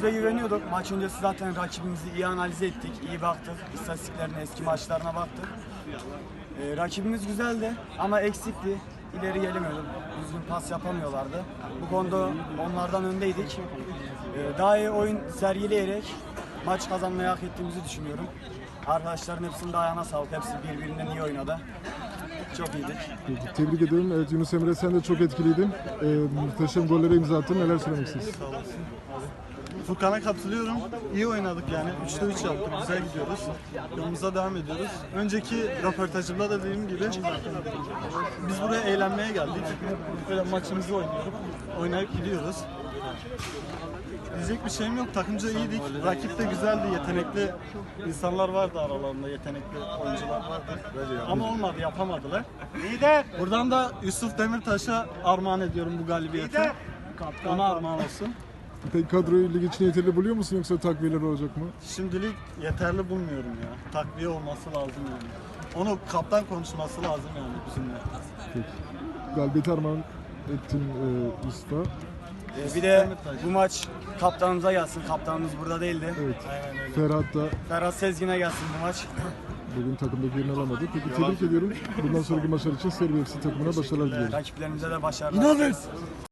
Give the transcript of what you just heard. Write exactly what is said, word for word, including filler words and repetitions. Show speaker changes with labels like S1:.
S1: Kendimize güveniyorduk. Maç öncesi zaten rakibimizi iyi analiz ettik, iyi baktık. İstatistiklerine, eski maçlarına baktık. Ee, rakibimiz güzeldi ama eksikti. İleri gelemiyordu. Düzgün pas yapamıyorlardı. Bu konuda onlardan öndeydik. Ee, daha iyi oyun sergileyerek maç kazanmayı hak ettiğimizi düşünüyorum. Arkadaşların hepsinin de ayağına sağlık. Hepsi birbirinden iyi oynadı. Çok iyiydik.
S2: Peki, tebrik ederim. Evet, Yunus Emre, sen de çok etkileydin. Ee, muhteşem gollere imza attın. Neler söylemek istersin?
S3: Sağ olasın. Furkan'a katılıyorum. İyi oynadık yani. üçte üç yaptık. Güzel gidiyoruz. Yolumuza devam ediyoruz. Önceki röportajımda da dediğim gibi biz buraya eğlenmeye geldik. Böyle maçımızı oynuyoruz. Oynayıp gidiyoruz. Diyecek bir şeyim yok. Takımca iyiydik. Rakip de güzeldi. Yetenekli insanlar vardı aralarında. Yetenekli oyuncular vardı. Ama olmadı. Yapamadılar. Buradan da Yusuf Demirtaş'a armağan ediyorum bu galibiyeti. Ona armağan olsun.
S2: Peki kadroyu lig için yeterli buluyor musun yoksa takviyeler olacak mı?
S3: Şimdilik yeterli bulmuyorum ya. Takviye olması lazım yani. Onu kaptan konuşması lazım yani bizimle.
S2: Peki. Galibiyeti armağan ettin e, usta.
S1: Ee, bir de bu maç kaptanımıza gelsin. Kaptanımız burada değildi.
S2: Evet. Ferhat da
S1: Ferhat Sezgin'e gelsin bu maç.
S2: bugün takımdaki yerini alamadı. Peki tebrik ediyorum. Bundan sonraki maçlar için Serbi F C takımına başarılar diliyorum.
S1: Rakiplerimize de başarılar.